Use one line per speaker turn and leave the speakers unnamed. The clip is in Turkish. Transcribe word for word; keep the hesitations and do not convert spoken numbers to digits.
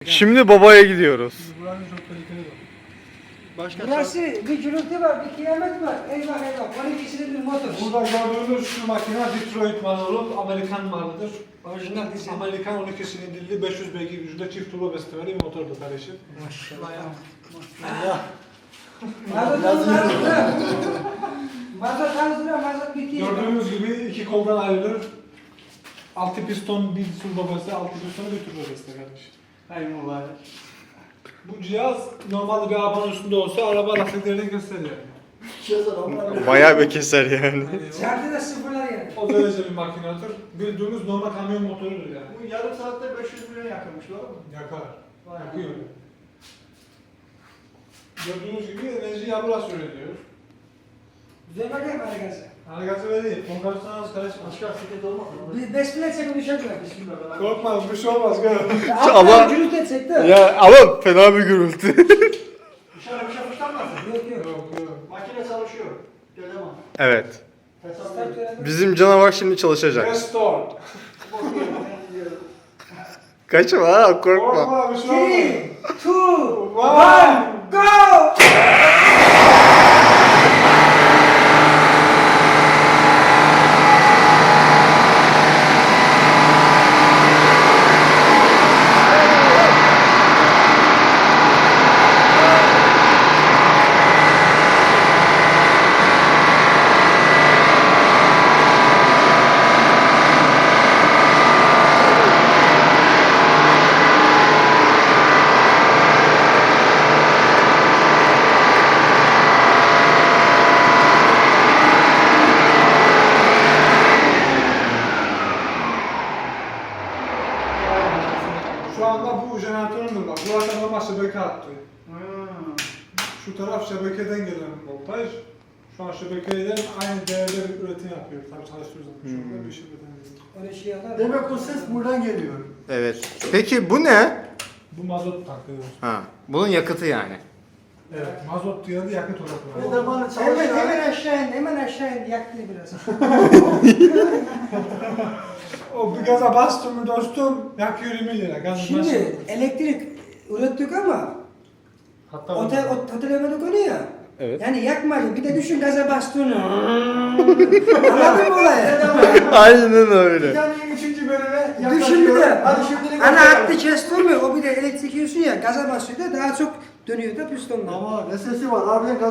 Şimdi babaya gidiyoruz.
Buranın çok tehlikeli var.
Başka
Burası bir gürültü var, bir kıyamet var. Eyvah eyvah, on iki silindir motor.
Burada gördüğünüz şu makine Detroit malı, Amerikan malıdır.
Orijinal dizel.
Amerikan on iki silindirli beş yüz beygir gücünde çift turbo beslemeli bir motordur kardeşim.
Maşallah.
Ya.
Mazot hazırla. Mazot hazırla, mazot bitiyor.
Gördüğünüz gibi iki koldan ayrılır. Altı piston bir turbo besle, altı pistonu bir turbo besle kardeşim.
Hayır mübarek.
Bu cihaz normalde bir arabanın üstünde olsa araba lastiklerini gösteriyor.
Cihazlar onlar.
Bayağı bir keser yani.
Yani
Çarptı da sıfırlar yani.
o derece bir makinedir. Bildiğiniz normal kamyon motorudur yani.
Bu yarım saatte beş yüz milyon yakınmış doğru mu?
Yakar.
Vay
Yakıyor. Gördüğünüz gibi enerjiyi burası üretiyor.
Güzel bakayım harikası.
Harikası ve değil. Konkarsiyonu az karışmaz.
Başka sıkıntı olmaz mı?
Bir beş bin etsek düşecek.
Bismillah.
Korkma bir şey olmaz gör.
Ama-
Ama gürültü etsek de.
Ya ama fena bir gürültü.
Dışarı bir şey fışlanmaz mı?
Yok yok.
Yok yok.
Makine çalışıyor. Gelemem.
Evet.
Hesap
Start
verin.
verelim.
Bizim canavar şimdi çalışacak.
Restore.
Bakıyorum, ben gidiyorum.
Kaçma ha, korkma.
Korkma bir şey olmaz.
Three, two,
One.
one, go!
Şu anda bu jeneratöründür bak. Burası normal şebeke attı.
Hmm.
Şu taraf şebekeden gelen voltaj. Şu an şebekeden aynı değerde bir üretim yapıyor. Tabii çalıştırıyoruz. Şu anda bir şebekeden geliyor.
Öyle şey yapar.
Demek o ses buradan geliyor.
Evet. Peki bu ne?
Bu mazot takıyoruz.
Ha, bunun yakıtı yani.
Evet, mazot diye de yakıt
Ve
olarak.
de bana
Hemen
çalışıyor.
hemen aşağı in, hemen aşağı in. Yaktı biraz.
O bir gaza bastım mı dostum yakıyor yirmi lira. Gaz
Şimdi elektrik ürettik ama
Hatta
otel, otel emedik onu ya.
Evet.
Yani yakmadı. Bir de düşün gaza bastığını. Anladın mı olayı?
Aynen
Bir
öyle.
tane üçüncü bölüme
Düşün bir de.
Hadi şimdilik
Ana
başlayalım.
hattı kestirmiyor. O bir de elektrik yiyorsun ya. Gaza basıyor da daha çok dönüyor da pistonla.
Ama ne sesi var harbiden